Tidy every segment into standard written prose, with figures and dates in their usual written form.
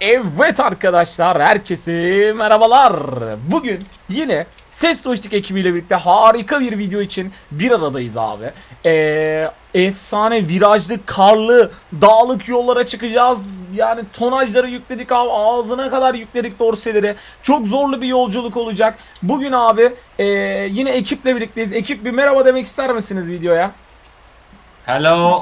Evet arkadaşlar, herkese merhabalar. Bugün yine Ses Joystick ekibiyle birlikte harika bir video için bir aradayız abi. Efsane virajlı, karlı, dağlık yollara çıkacağız. Yani tonajları yükledik abi, ağzına kadar yükledik dorseleri. Çok zorlu bir yolculuk olacak. Bugün abi yine ekiple birlikteyiz. Ekip bir merhaba demek ister misiniz videoya? Hello.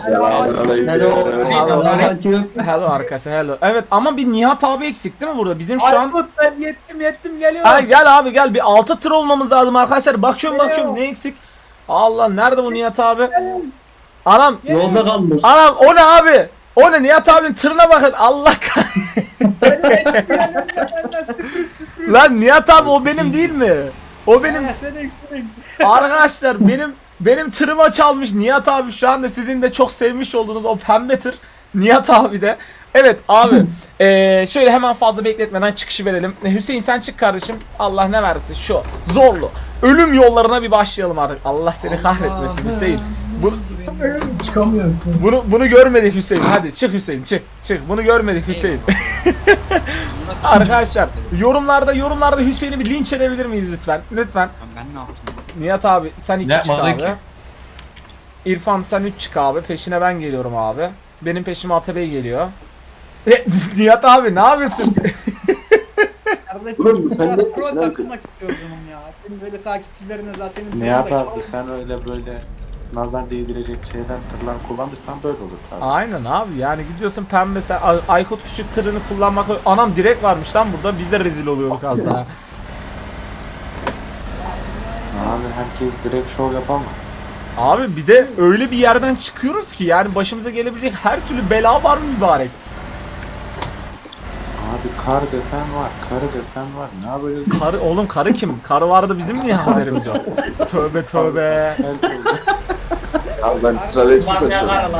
Hello arkadaşlar, hello. Evet ama bir Nihat abi eksik değil mi burada? Bizim şu an... Ben yettim geliyorum. Ay gel abi gel, bir 6 tır olmamız lazım arkadaşlar. Bakıyorum ne eksik? Allah, nerede bu Nihat abi? Anam Yolda kalmış. anam, o ne abi? O ne, Nihat abinin tırına bakın. Allah Sürpriz. Lan Nihat abi o benim değil mi? O benim Senin. arkadaşlar, benim tırıma çalmış Nihat abi, şu anda sizin de çok sevmiş olduğunuz o pembe tır Nihat abi de. Evet abi, şöyle hemen fazla bekletmeden çıkışı verelim. Hüseyin sen çık kardeşim. Allah ne versin, şu zorlu ölüm yollarına bir başlayalım artık. Allah seni kahretmesin Hüseyin. Çıkamıyorum. Bunu görmedik Hüseyin. Hadi çık Hüseyin, çık. Bunu görmedik Hüseyin. Arkadaşlar yorumlarda Hüseyin'i bir linç edebilir miyiz lütfen? Lütfen. Ben ne yaptım? Nihat abi sen 2 çık Yapmadı abi. ki. İrfan sen 3 çık abi. Peşine ben geliyorum abi. Benim peşime Atabey geliyor. Nihat abi ne yapıyorsun? Oğlum, sen de peşine takılmak istiyorum ya. Senin böyle takipçilerine zaten senin Nihat abi sen öyle böyle nazar değdirecek şeyler tırlar kullanırsan böyle olur tabii. Aynen abi, yani gidiyorsun pembe, sen Aykut küçük tırını kullanmak. Anam direkt varmış lan burada, biz de rezil oluyorduk az daha. Abi herkes direkt şov yapamaz. Abi bir de öyle bir yerden çıkıyoruz ki yani başımıza gelebilecek her türlü bela var mübarek. Abi kar desen var, karı desen var. Ne yapacağız? Karı, oğlum karı kim? Karı vardı, bizim niye haberimiz yok? Tövbe. Her şey. Abi ben traversi taşıyorum.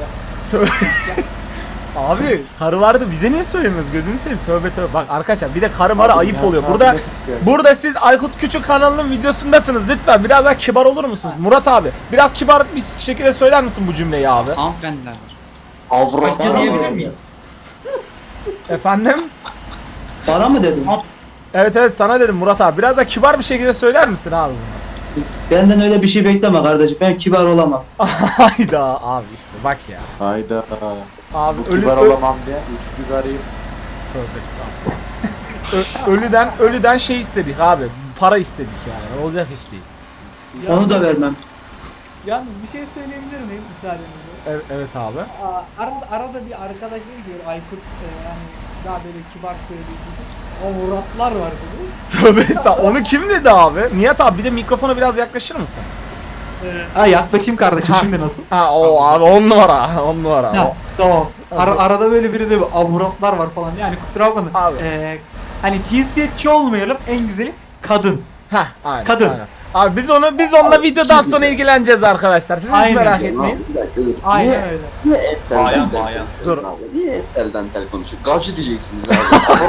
Abi karı vardı, bize niye söylemiyoruz, gözünü seveyim, tövbe. Bak arkadaşlar, bir de karı mara ayıp Nihat oluyor. abi Burada de tutuyor. burada siz Aykut Küçük kanalının videosundasınız, lütfen biraz daha kibar olur musunuz? Murat abi biraz kibar bir şekilde söyler misin bu cümleyi abi? Hanımefendiler var. Avrat. diyebilir miyim? Efendim? Bana mı dedin? Evet sana dedim Murat abi, biraz daha kibar bir şekilde söyler misin abi bunu? Benden öyle bir şey bekleme kardeşim. Ben kibar olamam. Hayda abi, işte bak ya. Hayda. Abi Bu kibar olamam diye üç biberiyim. Tövbe estağfurullah. Ölüden şey istedik abi. Para istedik yani. Olacak iş değil. Onu da vermem. Yalnız bir şey söyleyebilir miyim müsaadenizle? Evet abi. Arada bir arkadaş dedi ki Aykut yani daha böyle kibar söylediği gibi. O Muratlar var dedi. Tövbe estağfurullah. Onu kim dedi abi? Nihat abi bir de mikrofona biraz yaklaşır mısın? Ha yaklaşayım kardeşim, şimdi nasıl? Ha o abi 10 numara. 10 numara. Ha, tamam. Arada böyle biri de Muratlar var falan. Yani kusura bakmayın. Abi. Hani cinsiyetçi olmayalım, en güzeli kadın. Heh, aynen. Kadın. Aynen. Abi biz onunla videodan sonra ilgileneceğiz arkadaşlar. Siz hiç Aynen. merak Abi, etmeyin. bir dakika dur. Aynen Niye, öyle. niye ettel Bayan, dantel bayan. konuşuyorsun Dur. abi? Niye ettel dantel konuşuyor? Gavcı diyeceksiniz abi.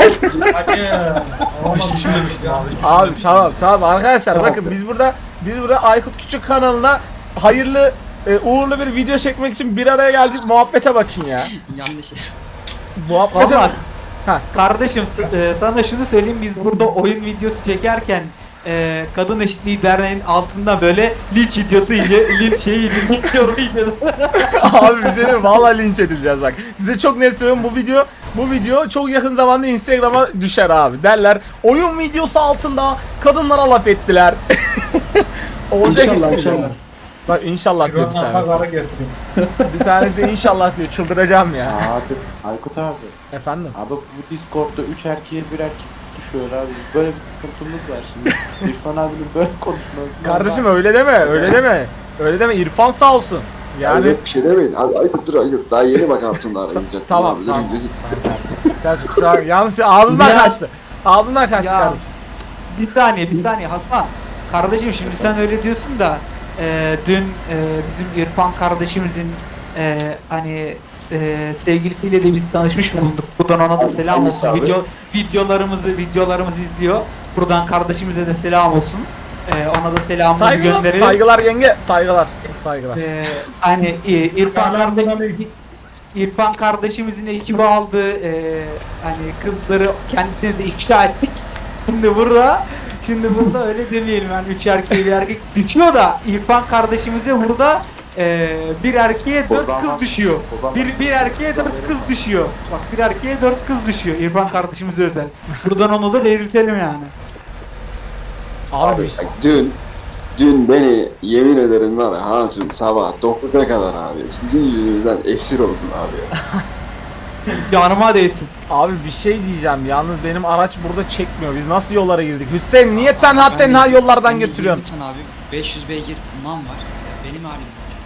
Hiç düşünmemiştim abi. Abi tamam arkadaşlar, bakın biz burada Aykut Küçük kanalına hayırlı uğurlu bir video çekmek için bir araya geldik. Muhabbete bakın ya. Yanlış. Muhabbete Vallahi bak. Ha. kardeşim sana şunu söyleyeyim, biz burada oyun videosu çekerken Kadın Eşitliği Derneği'nin altında böyle linç videosu linç yorumu Abi bir şey diyeyim mi? Vallahi linç edileceğiz bak. Size çok net söylüyorum, bu video çok yakın zamanda Instagram'a düşer abi. Derler oyun videosu altında kadınlara laf ettiler. Olacak İnşallah, işte. inşallah. Bak inşallah diyor bir tanesi. Bir tanesi de inşallah diyor. Çıldıracağım ya. Abi Aykut abi. Efendim. Abi bu Discord'da 3 erkeğe bir erkek düşüyor abi. Böyle bir sıkıntımız var şimdi. İrfan abinin böyle konuşması. Kardeşim öyle deme. İrfan sağ olsun. Yani Yani bir şey demeyin. Abi Aykut dur Aykut. Daha yeni bak Hatun'la arayacak. Tamam, Abi. tamam. Durun gözüm. Kardeşim, kusura bakma. Yanlış ağzımdan Ya. kaçtı. Ağzımdan kaçtı Ya. kardeşim. Bir saniye Hasan. Kardeşim şimdi sen öyle diyorsun da dün bizim İrfan kardeşimizin sevgilisiyle de biz tanışmış bulunduk. Buradan ona da selam olsun. Abi. Videolarımızı izliyor. Buradan kardeşimize de selam olsun. Ona da selamımızı gönderelim. Saygılar yenge. Saygılar. İrfan kardeşim İrfan kardeşimizin ekibi aldı. Hani kızları kendisine de ifşa ettik. Şimdi burada öyle demeyelim, yani 3 erkeğe bir erkek düşüyor da İrfan kardeşimize burada bir erkeğe 4 kız düşüyor. Bir erkeğe 4 kız düşüyor. Bak, bir erkeğe 4 kız düşüyor İrfan kardeşimize özel. Buradan onu da belirtelim yani. Abi Bak, dün beni yemin ederim var ya hatun sabah 9'a kadar abi sizin yüzünüzden esir oldum abi ya. Canıma değsin. Abi bir şey diyeceğim. Yalnız benim araç burada çekmiyor. Biz nasıl yollara girdik? Hüseyin niye tenha yollardan götürüyorsun? Lütfen abi 500 beygir man var. Benim halim.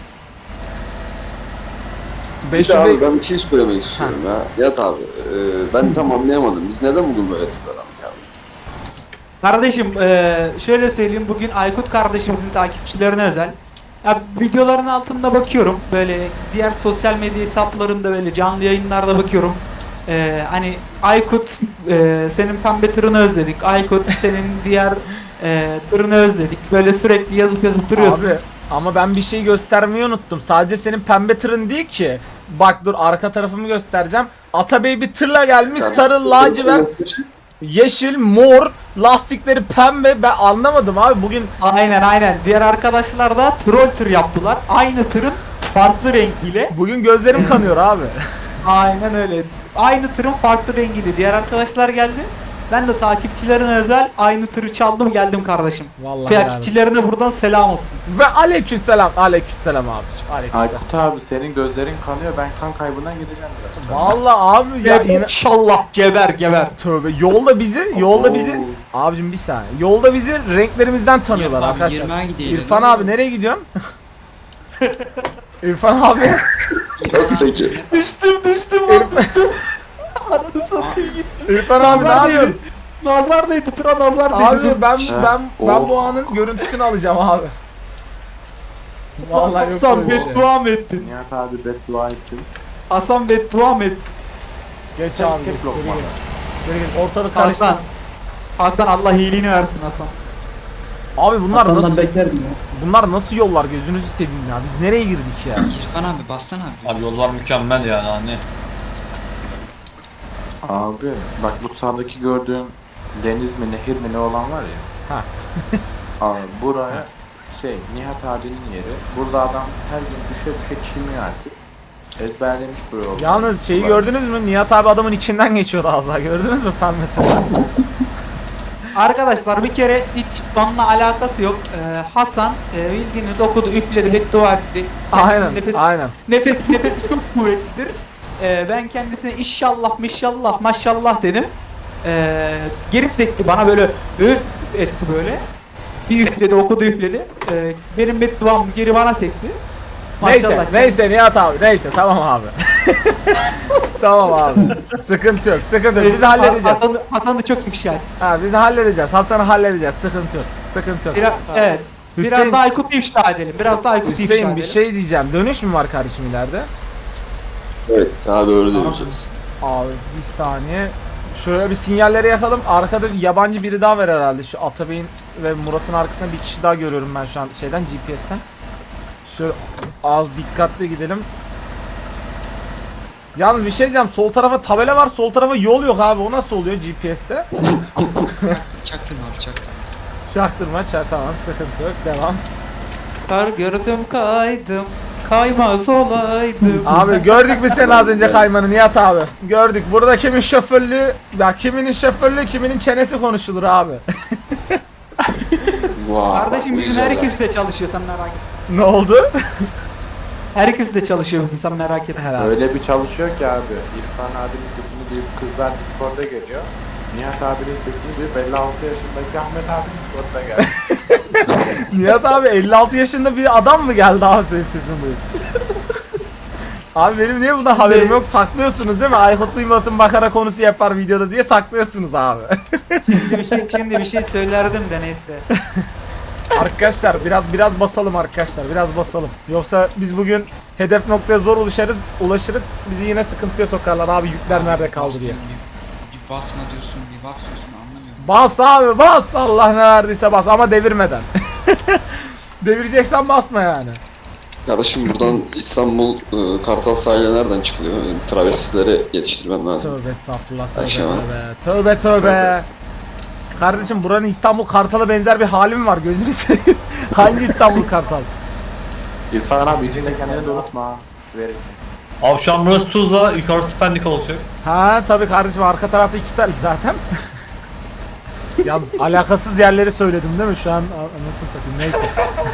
500 abi bey- ben bir şey söylemek istiyorum ya. Yat abi ben tam anlayamadım. Biz neden bugün böyle tıklanalım ya? Kardeşim şöyle söyleyeyim, bugün Aykut kardeşimizin takipçilerine özel. Ya, videoların altında bakıyorum, böyle diğer sosyal medya hesaplarında böyle canlı yayınlarda bakıyorum. Hani Aykut senin pembe tırını özledik, Aykut senin diğer tırını özledik, böyle sürekli yazıp duruyorsunuz. Abi ama ben bir şey göstermeyi unuttum. Sadece senin pembe tırın değil ki. Bak dur, arka tarafımı göstereceğim. Atabey bir tırla gelmiş, sarı, lacivert, yeşil, mor, lastikleri pembe. Ben anlamadım abi bugün. Aynen, diğer arkadaşlar da troll tır yaptılar, aynı tırın farklı rengiyle. Bugün gözlerim kanıyor abi. Aynen öyle. Aynı tırın farklı rengiyle diğer arkadaşlar geldi. Ben de takipçilerine özel aynı tırı çaldım geldim kardeşim. Vallahi helal olsun. Takipçilerine buradan selam olsun. Ve aleykümselam abiciğim. Aleykümselam. Aykut abi senin gözlerin kanıyor. Ben kan kaybından gideceğim biraz. Vallahi abi ya İnşallah geber. tövbe, yolda bizi abicim bir saniye. Yolda bizi renklerimizden tanıyorlar Abi, arkadaşlar. 20'ye gidelim. İrfan abi nereye gidiyorsun? İrfan abi. Nasıl peki? Düştüm lan düştüm. Ananı satayım gittim. İrfan abi ne yapıyorsun? Nazar değdi, tıra nazar değdi. Abi Dur. ben Oh. bu anın görüntüsünü alacağım abi. Vallahi yok Hasan böyle bir şey. beddua mı ettin? Nihat abi beddua ettim. Hasan beddua mı ettin? Geç abi Tek geç, lokma. seri geç. Seri geç, ortalık karıştı. Hasan Allah iyiliğini versin Hasan. Abi bunlar Hasan'dan nasıl beklerdim ya. bunlar nasıl yollar, gözünüzü seveyim ya. Biz nereye girdik ya? İrfan abi bassana abi. Abi yollar mükemmel yani hani. Abi bak bu sağdaki gördüğün deniz mi nehir mi ne olan var ya. Ha. Abi buraya Nihat abinin yeri. Burada adam her gün düşe çimiyor artık. Ezberlemiş bu yolu. Yalnız şeyi gördünüz mü? Nihat abi adamın içinden geçiyordu az daha. Gördünüz mü pembe tırı? Arkadaşlar bir kere hiç onunla alakası yok. Hasan bildiğiniz okudu, üfledi, beddua etti. Aynen, Kendisi aynen. nefesi çok kuvvetlidir. Ben kendisine inşallah maşallah dedim. Geri sekti bana, böyle üf etti böyle. Bir üfledi, okudu, üfledi. Benim bedduam geri bana sekti. Neyse Nihat abi, neyse tamam abi. Tamam abi. Sıkıntı yok. Biz halledeceğiz. Hasan da çok ifşa etti. Ha, biz halledeceğiz. Hasan'ı halledeceğiz. Sıkıntı yok. Evet. Hüseyin- Biraz daha Aykut'u ifşa edelim. Hüseyin bir şey diyeceğim. Dönüş mü var kardeşim ileride? Evet daha doğru döneceğiz. Abi bir saniye. Şöyle bir sinyalleri yakalım. Arkada yabancı biri daha var herhalde. Şu Atabey'in ve Murat'ın arkasında bir kişi daha görüyorum ben şu an şeyden, GPS'ten. Şöyle az dikkatli gidelim. Yalnız bir şey diyeceğim. Sol tarafa tabela var. Sol tarafa yol yok abi. O nasıl oluyor GPS'te? Çaktırma abi çaktırma. Çaktırma. Tamam, sıkıntı yok. Devam. Kar gördüm kaydım. Kaymaz olaydım. Abi gördük mü sen az önce kaymanı Nihat abi? Gördük. Burada kimin şoförlüğü, ya kiminin şoförlüğü, kiminin çenesi konuşulur abi. Vay, Kardeşim bizim güzel. herkes de çalışıyor, sen merak etme. Ne oldu? Herkes de çalışıyor bizim, sen merak etme. Helal Öyle olsun. bir çalışıyor ki abi. İrfan abinin sesini duyup kızlar Discord'a geliyor. Nihat abinin sesini duyup 56 yaşındaki Ahmet abi Discord'a geldi. Nihat abi 56 yaşında bir adam mı geldi abi senin sesini duyup? Abi benim niye bundan haberim yok? Saklıyorsunuz değil mi? Aykut duymasın, makara konusu yapar videoda diye saklıyorsunuz abi. Şimdi bir şey söylerdim de neyse. Arkadaşlar biraz basalım arkadaşlar. Biraz basalım. Yoksa biz bugün hedef noktaya zor ulaşırız. Bizi yine sıkıntıya sokarlar abi, yükler nerede kaldı diye. Bir basma diyorsun, bir bas diyorsun, anlamıyorum. Bas abi bas. Allah ne verdiyse bas ama devirmeden. Devireceksen basma yani. Kardeşim buradan İstanbul Kartal sahile nereden çıkılıyor? Travestileri yetiştirmem lazım. Tövbe estağfurullah, tövbe Aşağı. tövbe. Tövbe. Kardeşim buranın İstanbul Kartal'a benzer bir hali mi var, gözünü seveyim. Hangi İstanbul Kartal? İrfan abi içinde kendini de unutma ha. Verin. Abi şu an burası Tuzla, yukarısı Pendik olacak. Ha tabii kardeşim, arka tarafta 2 tane zaten. Yalnız alakasız yerleri söyledim değil mi şu an? Nasıl satayım, neyse.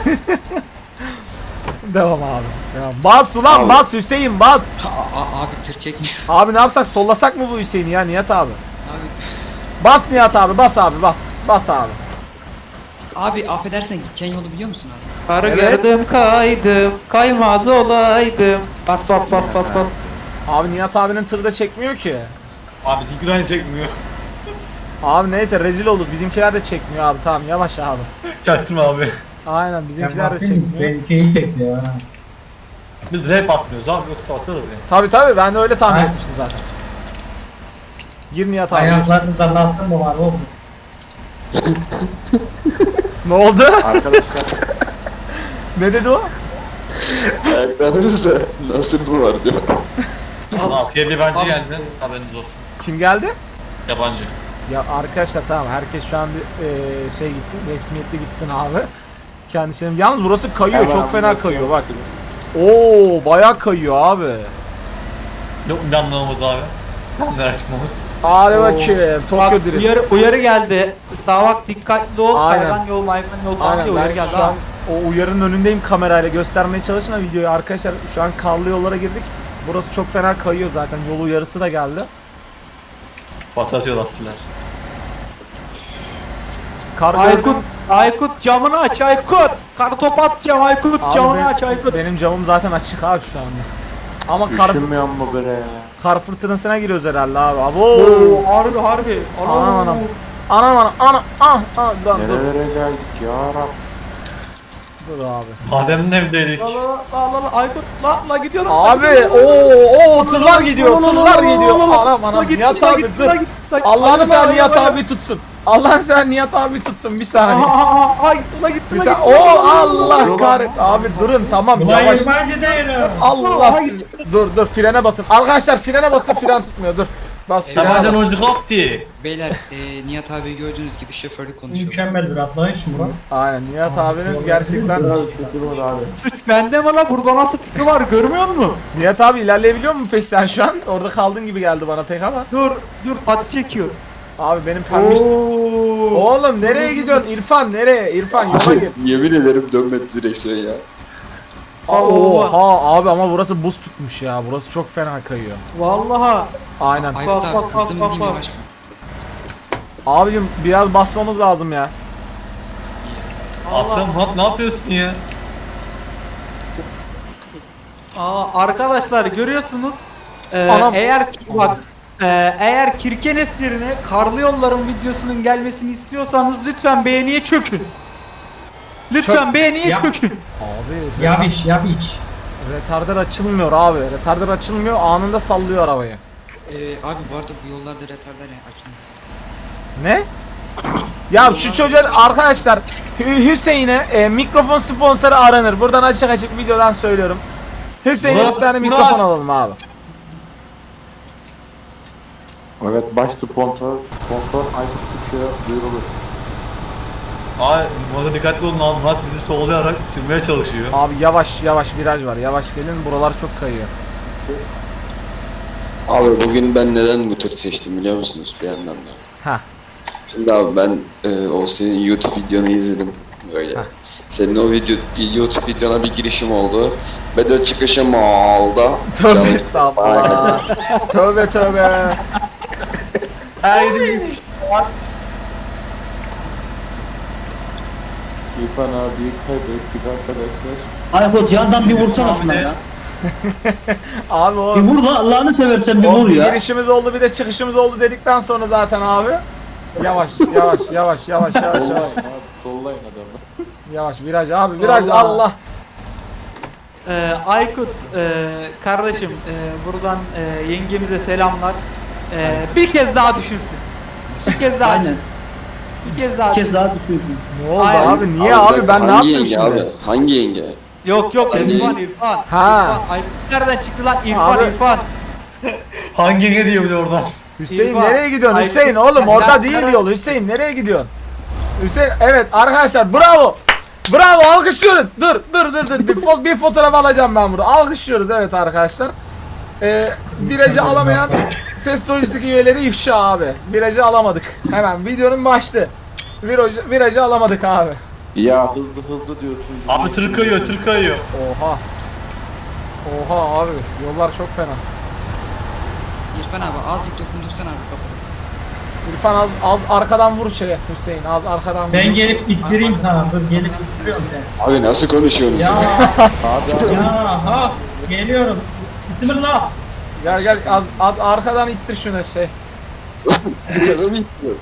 Devam abi. Devam. Bas ulan, Abi. bas Hüseyin, bas. Abi tır çekmiyor. Abi ne yapsak, sollasak mı bu Hüseyin'i ya Nihat abi? Abi. Bas Nihat abi, bas abi, bas. Bas abi. Abi affedersen gideceğin yolu biliyor musun abi? Karı Evet. gördüm kaydım, kaymaz olaydım. Bas bas bas bas bas. Abi Nihat abinin tırı da çekmiyor ki. Abi bizimki de aynı çekmiyor. Abi neyse, rezil olduk. Bizimkiler de çekmiyor abi. Tamam, yavaş abi. Çaktırma abi. Aynen, bizimkiler de çekmiyor. Benimki çekmiyor ha. Biz de hep basmıyoruz abi, yoksa basarız yani. Tabii tabii, ben de öyle tahmin Aynen. etmiştim zaten. Gir Nihat abi. Ayaklarınızda lastik mı var oğlum? Ne oldu? Arkadaşlar Ne dedi o? Ayaklarınızda nasıl bu var diyor. Askeri bir yabancı geldi, haberiniz olsun. Kim geldi? Yabancı. Ya arkadaşlar tamam, herkes şu an bir şey gitsin, resmiyetli gitsin abi. Kendisi. Yalnız burası kayıyor, Hemen çok fena burası kayıyor yok. bak. Oo, bayağı kayıyor abi. Yok mu yanlamamız abi? Nereye çıkmamız? Hadi bakayım, Bak, Tokyo Drift. uyarı geldi. Sağa bak, dikkatli ol. Aynen. Hayvan yol diye Aynen, uyarı ben geldi. şu an o uyarının önündeyim, kamerayla göstermeye çalışma videoyu arkadaşlar. Şu an karlı yollara girdik. Burası çok fena kayıyor zaten, yol uyarısı da geldi. Patlatıyor lastiler. Kar Aykut, Aykut camını aç Aykut. Kartopu atacağım Aykut, Abi camını aç Aykut. benim camım zaten açık abi şu anda. Ama üşünmüyor mu bre ya? kar fırtınasına giriyoruz herhalde abi. Abo. Oo, harbi harbi. Anam anam. Anam lan dur. Nerelere geldik ya Rab? Dur abi. Adem'in evindeydik. La Aykut la gidiyorum. Abi o tırlar gidiyor, tırlar gidiyor. Anam Nihat abi dur. Allah'ını sen Nihat abi tutsun. Allah'ını sen Nihat abi tutsun, bir saniye. Gitti Bir saniye. O Allah kahret. Abi durun, tamam, Ulan yavaş. yabancı değilim. Allah siz. Dur frene basın. Arkadaşlar frene basın, fren tutmuyor. Dur. Bas frene Tabancan bas. oyuncu koptu. Beyler Nihat abi gördüğünüz gibi şoförlük konuşuyor. Mükemmel bir atlayış Murat. Aynen, Nihat abinin gerçekten. Biraz tutturmadı abi. Suç bende mi la? Burada nasıl tipi var görmüyor musun? Nihat abi ilerleyebiliyor musun peki sen şu an? Orada kaldığın gibi geldi bana pek ama. Dur pati çekiyor. Abi benim pembiş. Oğlum nereye gidiyorsun? İrfan nereye? İrfan yola gir. Yemin ederim dönmedi direksiyon ya. Oha abi, ama burası buz tutmuş ya. Burası çok fena kayıyor. Vallahi. Aynen. Aykut Bak, abi bak, hızlı mı bak, diyeyim bak. yavaş mı? Abicim biraz basmamız lazım ya. Aslan Murat ne yapıyorsun ya? Arkadaşlar görüyorsunuz. Anam. Eğer Kirkenes yerine Karlı Yolların videosunun gelmesini istiyorsanız lütfen beğeniye çökün. Lütfen beğeniye Yap. çökün. Abi Yap iç. retarder açılmıyor abi. Retarder açılmıyor, anında sallıyor arabayı. Abi bu arada bu yollarda retarder açılmaz. Ne? Ya şu çocuğa arkadaşlar, Hüseyin'e mikrofon sponsoru aranır. Buradan açık videodan söylüyorum. Hüseyin'e bir tane Murat. mikrofon alalım abi. Evet, baş sponsor Aykut Küçük'e duyurulur. Abi burada dikkatli olun abi, Murat bizi sollayarak sürmeye çalışıyor. Abi yavaş viraj var. Yavaş gelin, buralar çok kayıyor. Abi bugün ben neden bu tır seçtim biliyor musunuz bir yandan da? Ha. Şimdi abi ben o senin YouTube videonu izledim böyle. Senin o YouTube videona bir girişim oldu. Ve de çıkışım oldu. Tövbe Canım- estağfurullah. Tövbe. Her yeri İrfan abiyi kaybettik arkadaşlar. Aykut yandan bir vursana şuna ya. Abi o Bir vur la Allah'ını seversen bir o vur bir ya. girişimiz oldu, bir de çıkışımız oldu dedikten sonra zaten abi. Yavaş. Abi sollayın adamı. Yavaş viraj abi, viraj Allah. Allah. Aykut kardeşim buradan yengemize selamlar. Bir kez daha düşünsün. Bir kez daha. Aynen. Bir kez daha. Bir kez daha düşüyorsun. Ne oldu Aynen. abi? Niye abi? Ben ne hangi yaptım yenge şimdi? abi? Hangi yenge? Yok yok Sen İrfan değil. İrfan. Ha. İrfan. Aykut nereden çıktı lan İrfan Abi. İrfan. Hangi diyor bir de oradan? Hüseyin İrfan, nereye gidiyorsun Aykut, Hüseyin oğlum orada nereden değil çıktı? yol Hüseyin nereye gidiyorsun? Hüseyin evet arkadaşlar bravo. Bravo alkışlıyoruz. Dur. Bir fotoğraf alacağım ben burada. Alkışlıyoruz evet arkadaşlar. Virajı alamayan ses lojistik üyeleri ifşa abi. Virajı alamadık. Hemen videonun başlığı. Virajı alamadık abi. Ya hızlı diyorsun. Abi tır kayıyor, tır kayıyor. Oha. Oha abi yollar çok fena. İrfan abi azıcık dokundursana abi kapıda. İrfan az arkadan vur şeye Hüseyin az arkadan vur. Ben gelip ittireyim sana. Dur gelip ittiriyorum seni. Abi nasıl konuşuyorsunuz Ya ya? ya ha geliyorum. Bismillah. Gel az arkadan ittir şunu şey. Canım istiyor.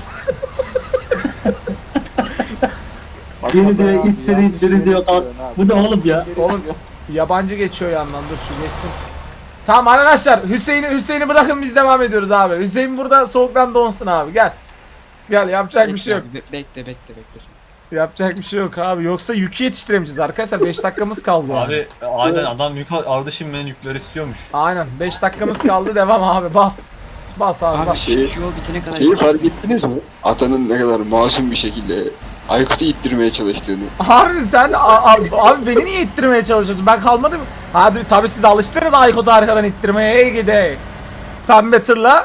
Beni direkt ittiri diyor. Bu ne oğlum ya? Oğlum yabancı geçiyor yandan dur şu geçsin. Tamam arkadaşlar Hüseyin'i bırakın biz devam ediyoruz abi. Hüseyin burada soğuktan donsun abi gel. Gel yapacak bir şey yok. Abi, bekle. Yapacak bir şey yok abi. Yoksa yükü yetiştiremeyeceğiz arkadaşlar. 5 dakikamız kaldı yani. Abi aynen adam yük ardışım ben yükler istiyormuş. Aynen 5 dakikamız kaldı devam abi bas. Bas abi Abi bas. Şeyi, şu yol bitene kadar. şeyi fark ettiniz mi? Atanın ne kadar masum bir şekilde Aykut'u ittirmeye çalıştığını. Harbi sen abi beni niye ittirmeye çalışıyorsun? Ben kalmadım. Hadi tabii siz alıştınız Aykut'u arkadan ittirmeye. Ey gide. Pembe tırla.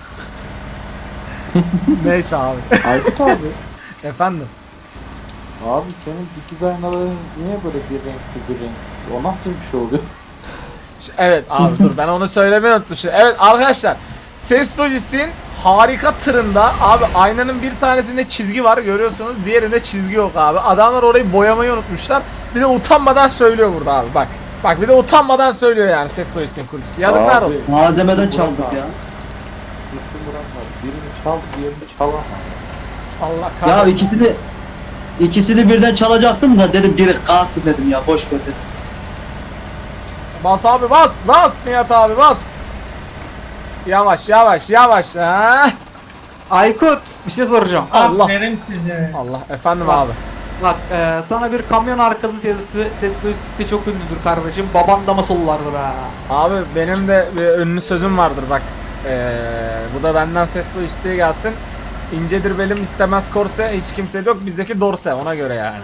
Neyse abi. Aykut abi. Efendim. Abi senin dikiz aynaların niye böyle bir renkli bir renksiz? O nasıl bir şey oluyor? Evet abi dur ben onu söylemeyi unuttum. Evet arkadaşlar. Ses Lojistik'in harika tırında abi aynanın bir tanesinde çizgi var görüyorsunuz. Diğerinde çizgi yok abi. Adamlar orayı boyamayı unutmuşlar. Bir de utanmadan söylüyor burada abi bak. Bak bir de utanmadan söylüyor yani Ses Lojistik'in kurucusu. Yazıklar Abi. olsun. Malzemeden çaldık ya. Suçlu Murat var. Birini çal, diğerini çalamaz. Allah Ya kahretsin. ikisini birden çalacaktım da dedim biri kalsın dedim ya boş ver dedim. Bas abi bas Nihat abi bas. Yavaş ha. Aykut bir şey soracağım. Allah. Aferin size. Allah efendim Bak. abi. Bak sana bir kamyon arkası sesi ses lojistikte çok ünlüdür kardeşim. Baban da mı sollardır ha? Abi benim de bir ünlü sözüm vardır bak. Bu da benden Ses Lojistik'e gelsin. İncedir belim istemez korse hiç kimse yok bizdeki dorse ona göre yani.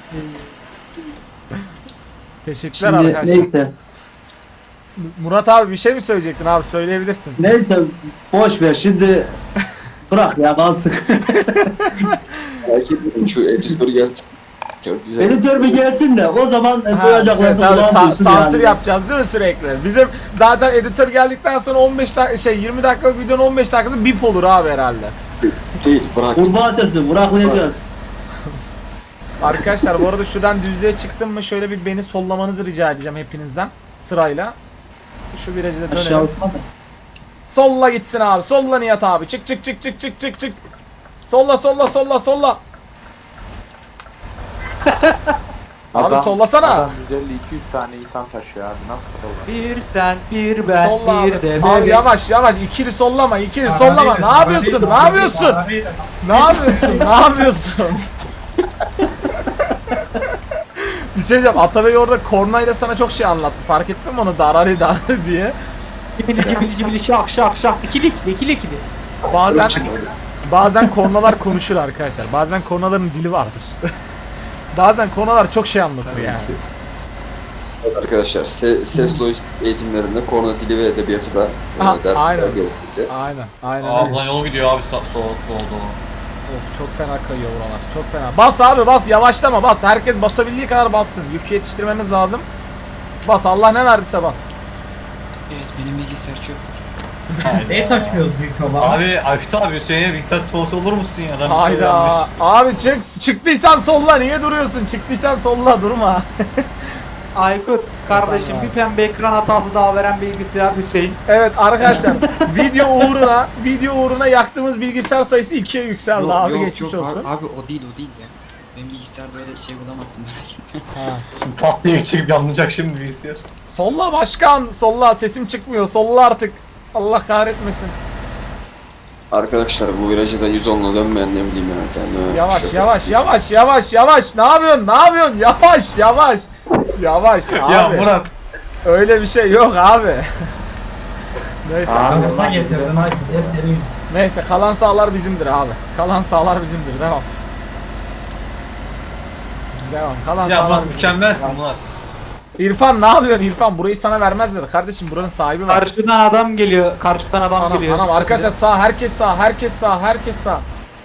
Teşekkürler Şimdi arkadaşlar. neyse. Murat abi bir şey mi söyleyecektin abi söyleyebilirsin. Neyse boş ver şimdi bırak ya kalsın. Aykut şu editör gelsin. Çok güzel. Editör bir gelsin de o zaman Ha, duyacaklarını tabii, duysun sansür yani. yapacağız değil mi sürekli? Bizim zaten editör geldikten sonra 20 dakikalık videonun 15 dakikası bip olur abi herhalde. Değil bırak. Kurbağa sesi bıraklayacağız. Arkadaşlar bu arada şuradan düzlüğe çıktım mı şöyle bir beni sollamanızı rica edeceğim hepinizden sırayla. Şu virajı da Aşağı dönelim. uçma da. Solla gitsin abi. Solla Nihat abi. Çık. Solla. Abi sollasana. Adam 150-200 tane insan taşıyor abi. Nasıl olur? Bir sen, bir ben, Solla bir abi. de Abi bebek. yavaş. İkili sollama. Sollama. Ne yapıyorsun? Bir şey diyeceğim. Atabey orada kornayla sana çok şey anlattı. Fark ettin mi onu? Darari diye. Cibili şak şak ikili. Bazen kornalar konuşur arkadaşlar. Bazen kornaların dili vardır. Bazen kornalar çok şey anlatır yani. Arkadaşlar ses lojistik eğitimlerinde korna dili ve edebiyatı da Aha, dersler aynen. gerekti. Aynen Aa öyle. lan yol gidiyor abi soğuk oldu. Of çok fena kayıyor buralar. Çok fena. Bas abi bas. Yavaşlama bas. Herkes basabildiği kadar bassın. Yükü yetiştirmemiz lazım. Bas. Allah ne verdiyse bas. Evet benim bilgisayar çok. Ne taşıyoruz büyük olan? Abi Aykut abi Hüseyin'e bilgisayar sponsor olur musun ya? Adam bir şey Hayda. yapmış. Abi çıktıysan solla. Niye duruyorsun? Çıktıysan solla. Durma. Aykut kardeşim bir pembe ekran hatası daha veren bilgisayar Hüseyin. Evet arkadaşlar. video uğruna yaktığımız bilgisayar sayısı 2'ye yükseldi abi. Geçmiş olsun. Abi o değil ya. Benim bilgisayarda öyle şey bulamazsın merak etme. Ha. Şimdi pat diye çıkıp yanlayacak şimdi bilgisayar. Solla başkan. Solla. Sesim çıkmıyor. Solla artık. Allah kahretmesin. Arkadaşlar bu virajı da 110'la dönmeyen ne bileyim yani kendime. Yavaş Şöyle- yavaş yavaş yavaş yavaş. Ne yapıyorsun? Ne yapıyorsun? Yavaş yavaş. Yavaş abi. Ya Murat. Öyle bir şey yok abi. Neyse. Kafasına getirdin hadi. Getirin. Neyse kalan sahalar bizimdir abi. Kalan sahalar bizimdir. Devam. Devam. Kalan Ya sahalar Murat bizimdir. mükemmelsin Murat. İrfan ne yapıyorsun İrfan? Burayı sana vermezler. Kardeşim buranın sahibi var. Karşıdan adam geliyor. Karşıdan adam Anam, geliyor. anam arkadaşlar sağ, herkes sağ, herkes sağ, herkes sağ.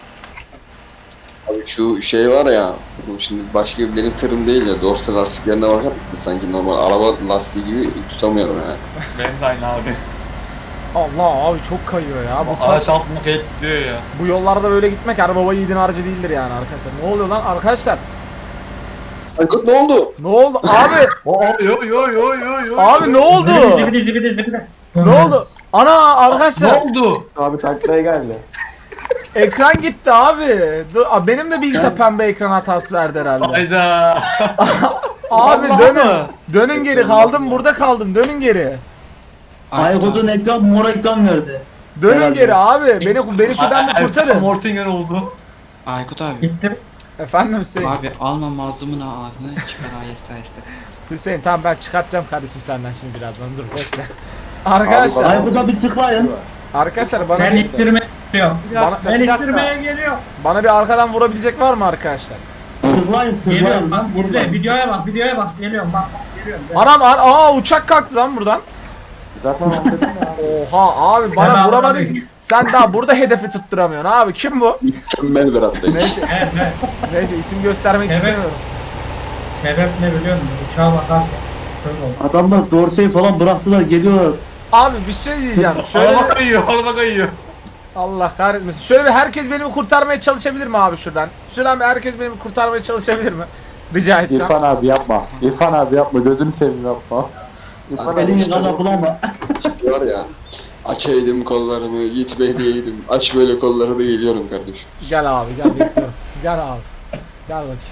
Abi şu şey var ya, bu şimdi başka bir benim tırım değil ya, dorsa lastiklerine bakar mısın? Sanki normal araba lastiği gibi tutamıyorum ya. Benim de aynı abi. Allah abi çok kayıyor ya. Araç altına kayıp gidiyor ya. Bu yollarda böyle gitmek her baba yiğidin harcı değildir yani arkadaşlar. Ne oluyor lan arkadaşlar? Aykut ne oldu? Ne oldu abi? Yo yo yo yo yo. Abi ne oldu? Zibidi zibidi zibidi. Ne oldu? Ana Ne arkadaşlar oldu? Abi taklaya geldi. ekran gitti abi. Benim de bilgisayar pembe ekran hatası verdi herhalde. Hayda. Abi Vallahi dönün. mı? Dönün geri kaldım burada kaldım. Dönün geri. Aykut'un ekran mor ekran verdi. Dönün Herhalde. geri abi. Beni şuradan bir kurtarın. Mortingen oldu. Aykut abi. Gittim. Efendim Hüseyin. Abi alma mazlumun ağzını çıkar aheste aheste. Hüseyin tamam ben çıkartacağım kardeşim senden şimdi birazdan dur bekle. Arkadaşlar, Aykut'a bir tıklayın. arkadaşlar Ben ittirmeye geliyorum. bana, Ben ittirmeye geliyorum. bana bir arkadan vurabilecek var mı arkadaşlar? Tıklayın Geliyorum tıklayın. lan. İzle videoya bak videoya bak. Geliyorum bak. Geliyorum. Anam uçak kalktı lan buradan. Zaten onu dedim ya. Oha abi Sen bana abi. vuramadın ki. Sen daha burada hedefi tutturamıyorsun abi. Kim bu? Mükemmel bir hafta. Neyse, Evet evet. neyse isim göstermek Evet. istemiyorum. Sebep ne biliyor musun? Uçağa bakarken. Şöyle oldu. Adamlar dorseyi falan bıraktılar geliyorlar. Abi bir şey diyeceğim. Şöyle Araba bir- kayıyor, araba kayıyor. Allah kahretmesin. Şöyle bir herkes beni bir kurtarmaya çalışabilir mi abi şuradan? Şuradan bir herkes beni bir kurtarmaya çalışabilir mi? Rica etsem. İrfan abi yapma. İrfan abi yapma. Gözünü seveyim yapma. İrfan abi Elini işte kana bulama. var ya. Açaydım kollarımı, gitme diyeydim. Aç böyle kolları da geliyorum kardeşim. Gel abi gel bekliyorum. Gel abi. Gel bakayım.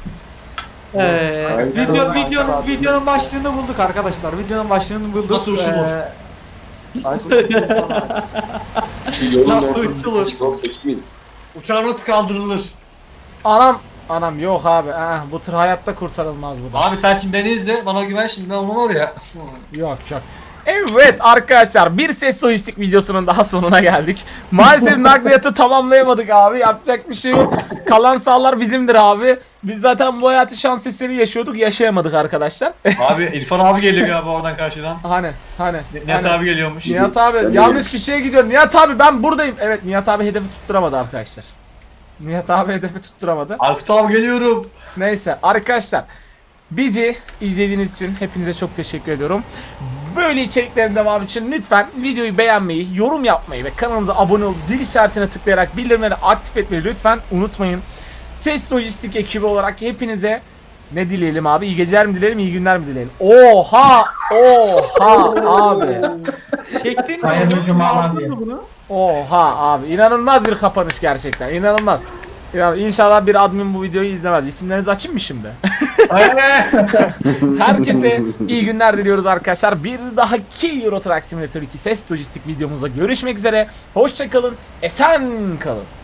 Videonun başlığını bulduk arkadaşlar. Videonun başlığını bulduk. Nasıl uçulur? Şu yolun Nasıl ortasında uçulur? yoksa kimin? Uçağı nasıl kaldırılır? Anam yok abi. Bu tır hayatta kurtarılmaz bu da. Abi sen şimdi beni izle, bana güven şimdi ben onun oraya. Yok. Evet arkadaşlar bir ses lojistik videosunun daha sonuna geldik. Maalesef nakliyatı tamamlayamadık abi. Yapacak bir şey yok. Kalan sahalar bizimdir abi. Biz zaten bu hayatı şans eseri yaşıyorduk. Yaşayamadık arkadaşlar. Abi İrfan abi geliyor galiba oradan karşıdan. Hani. Nihat abi geliyormuş. Nihat abi Ben de yanlış kişiye gidiyor. Nihat abi ben buradayım. Evet Nihat abi hedefi tutturamadı arkadaşlar. Nihat abi hedefi tutturamadı. Aykut abi geliyorum. Neyse arkadaşlar bizi izlediğiniz için hepinize çok teşekkür ediyorum. Böyle içeriklerin devamı için lütfen videoyu beğenmeyi, yorum yapmayı ve kanalımıza abone olup zil işaretine tıklayarak bildirimleri aktif etmeyi lütfen unutmayın. Ses Lojistik ekibi olarak hepinize ne dileyelim abi? İyi geceler mi dileyelim, iyi günler mi dileyelim? Oha abi. Çektin mi? Hayırlı bunu? cumalar Aldın diye. mı bunu? Oha abi inanılmaz bir kapanış gerçekten inanılmaz. İnşallah bir admin bu videoyu izlemez. İsimlerinizi açayım mı şimdi? Herkese iyi günler diliyoruz arkadaşlar. Bir dahaki Euro Truck Simulator 2 ses lojistik videomuzda görüşmek üzere. Hoşça kalın, esen kalın.